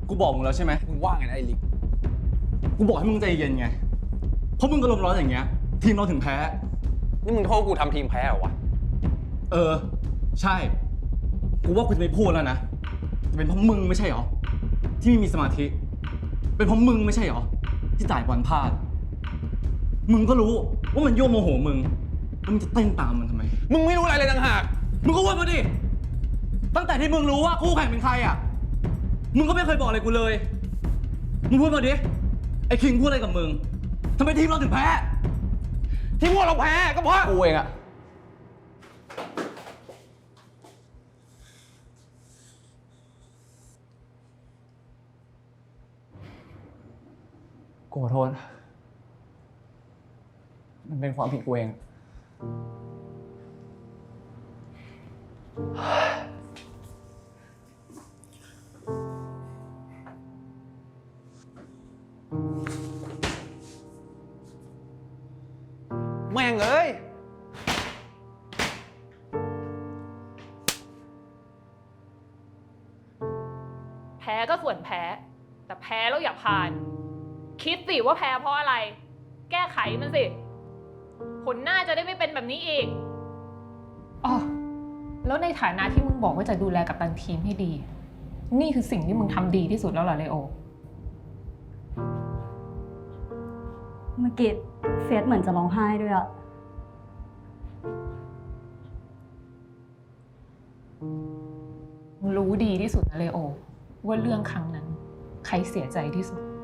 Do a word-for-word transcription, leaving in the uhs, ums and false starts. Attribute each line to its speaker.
Speaker 1: กูบอกมึงแล้วใช่ไหม
Speaker 2: มึงว่าไงนะไอ้ลิก
Speaker 1: กูบอกให้มึงใจเย็นไง เพราะมึงก็ลมร้อนอย่างเงี้ย ทีมเราถึงแพ้
Speaker 2: นี่มึงโทษกูทำทีมแพ้เหรอวะ
Speaker 1: เออ ใช่ กูว่ากูจะไม่พูดแล้วนะแต่เป็นเพราะมึงไม่ใช่หรอ ที่ไม่มีสมาธิ เป็นเพราะมึงไม่ใช่หรอ ที่จ่ายบอลพลาด มึงก็รู้ว่ามันยั่วโมโหมึง แล้วมึงจะเต้นตามมันทำไม
Speaker 2: มึงไม่รู้อะไรเลยต่างหาก
Speaker 1: มึงก็ว่ามาดิ ตั้งแต่ที่มึงรู้ว่าคู่แข่งเป็นใครอ่ะ มึงก็ไม่เคยบอกอะไรกูเลย มึงพูดมาดิ ไอ้คิงพูดอะไรกับมึงทำไมทีมเราถึงแพ้
Speaker 2: ที่พวกเราแพ้ก็เพราะกูเองอะ
Speaker 1: กูขอโทษ มันเป็นความผิดกูเอง
Speaker 2: แม่งเอ้ย
Speaker 3: แพ้ก็ส่วนแพ้ แต่แพ้แล้วอย่าผ่าน คิดสิว่าแพ้เพราะอะไร แก้ไขมันสิ ผลหน้าจะได้ไม่เป็นแบบนี้อีกอ๋อแล้วในฐานะที่มึงบอกว่าจะดูแลกัปตันทีมให้ดี นี่คือสิ่งที่มึงทำดีที่สุดแล้วเหรอเลโอ
Speaker 4: เมื่อกี้เฟียสเหมือนจะร้องไห้ด้วยอะ
Speaker 3: รู้ดีที่สุดนะเลโอ ว่าเรื่องครั้งนั้น ใครเสียใจที่สุด